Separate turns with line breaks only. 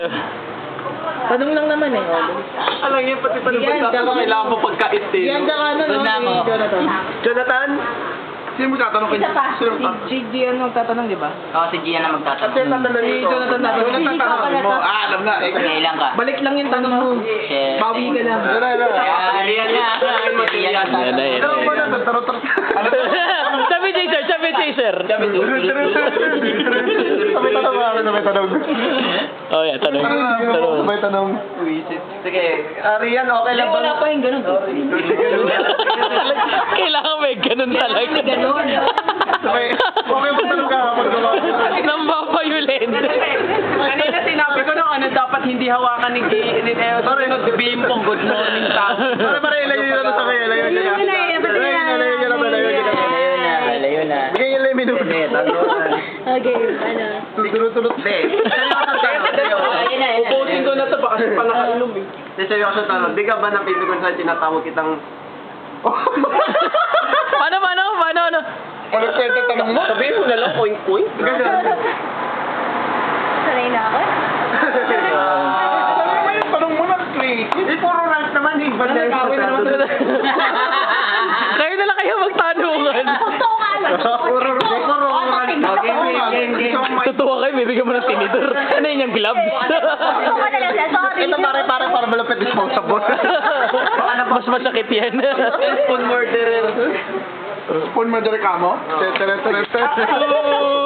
Tanong lang naman eh.
Alam niyo, pati pa naman
Yan,
sa kailangan mo pagkait eh.
Yan ka ano, no? Si Jonathan.
Jonathan? Sino mo tatanong kay
Isa pa.
Sino mo
Si Gian ang tatanong, di ba?
Oo, si Gian na magtatanong.
Sino tatanong
Si
dito?
Jonathan na.
Jonathan tatanong mo. Alam na.
Kailan ka?
Balik lang yung tanong mo.
Shit.
Bawi ka lang.
Yan na.
Sabi chaser, sabi chaser.
Sabay tanong ako, sabay tanong.
Oh, yeah, tanong. Tanong.
Sabay tanong. Sige, Rian, okay lang ba?
Wala pa yung ganun.
Kailangan may ganun talaga.
Ganun.
Sabay, okay ba tanong ka?
Nambapayulent.
Kanina sinabi ko nung ano, dapat hindi hawakan ni Eo.
Pare,
Sabihin pong good morning sa
pare, ilayo nyo na sa kaya. Ilayo nyo na. Ilayo nyo na.
Layo na.
Bigyan nyo lang yung minuto.
Okay, ano.
Tulot-tulot.
Ubusin ko na ito, baka siya pa nakainom eh.
Seryoso tanong, di ka ba napili kung saan tinatawag kitang...
Paano?
Ano kwento tanong mo?
Sabihin mo na lang, point.
Sanay na ako.
Tanong mo na, tricky. Hindi, puro rant naman eh.
Kayo na lang kayo magtanungan.
Totoo ka lang.
Puro rant.
Tutuwa kayo, bibigyan mo ng tinidor. Ano yun yung gloves?
Totoo ka na lang siya. Sorry.
Ito para malapit disposable.
Mas masakit yan.
Spoon murderer.
Spoon murder ka mo?